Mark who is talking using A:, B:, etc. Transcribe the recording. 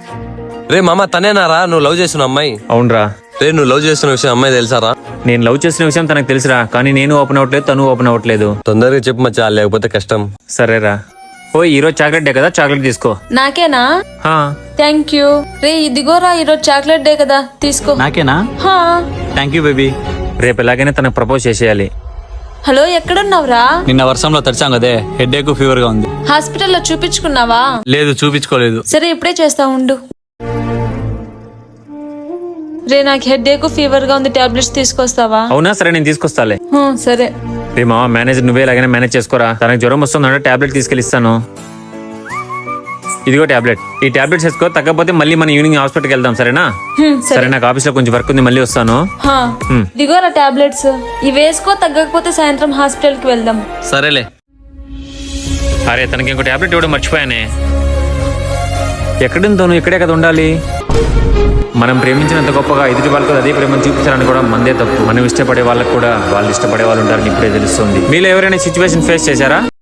A: రే మామ తనేనారా నువ్వు లవ్ చేసిన అమ్మాయి?
B: అవునరా.
A: రే నువ్వు లవ్ చేసిన విషయం అమ్మాయి తెలుసారా?
B: నేను లవ్ చేసిన విషయం తనకు తెలుసురా, కానీ నేను ఓపెన్ అవ్వట్లేదు, తను ఓపెన్ అవ్వట్లేదు.
A: తొందరగా చెప్పు మచ్చా, లేకపోతే కష్టం.
B: సరేరా. ఓ ఈరోజు చాక్లెట్ డే కదా, చాక్లెట్ తీసుకో.
C: నాకేనా?
B: హా.
C: Thank you. రే ఇదిగోరా, ఈరోజు చాక్లెట్ డే కదా, తీసుకో.
D: నాకేనా?
C: హా.
D: Thank you baby.
B: రేపు ఎలాగైనా తనకు ప్రపోజ్ చేసేయాలి.
C: హలో, ఎక్కడున్నావురా?
D: నిన్న వర్షంలో తడిచాం కదే, హెడేక్ ఫీవర్ గా ఉంది.
C: హాస్పిటల్లో చూపించుకున్నావా?
D: లేదు, చూపించుకోలేదు.
C: సరే ఇప్పుడే చేస్తా ఉండు. రే నాకు హెడేక్ ఫీవర్ గా ఉంది, టాబ్లెట్స్ తీసుకొస్తావా?
B: అవునా, సరే నేను తీసుకొస్తాలే.
C: సరే.
B: రే మామ, మేనేజర్ నువ్వే ఎలాగైనా మేనేజ్ చేసుకోరా. తనకు జ్వరం వస్తుందంటే టాబ్లెట్ తీసుకెళ్ళిస్తాను. ఇదిగో టాబ్లెట్. ఈ టాబ్లెట్స్ వేసుకో, తగ్గకపోతే మళ్ళీ మన ఈవినింగ్ హాస్పిటల్కి వెళ్దాం, సరేనా? సరే, నాకు ఆఫీస్ లో కొంచెం వర్క్ ఉంది, మళ్ళీ వస్తాను.
C: ఇదిగోరా టాబ్లెట్స్, ఇవి వేసుకో, తగ్గకపోతే సాయంత్రం హాస్పిటల్ కి వెళ్దాం.
A: సరేలే.
B: అరే తనకి ఇంకో టాబ్లెట్ ఇవ్వడం మర్చిపోయానే. ఎక్కడుందో ఇక్కడే కదా ఉండాలి. మనం ప్రేమించినంత గొప్పగా ఎదుటి వాళ్ళకు అదే ప్రేమను చూపించాలని కూడా మందే తప్పు. మనం ఇష్టపడే వాళ్ళకు కూడా వాళ్ళు ఇష్టపడే వాళ్ళు ఉంటారని ఇప్పుడే తెలుస్తుంది. మీలో ఎవరైనా సిచ్యువేషన్ ఫేస్ చేశారా?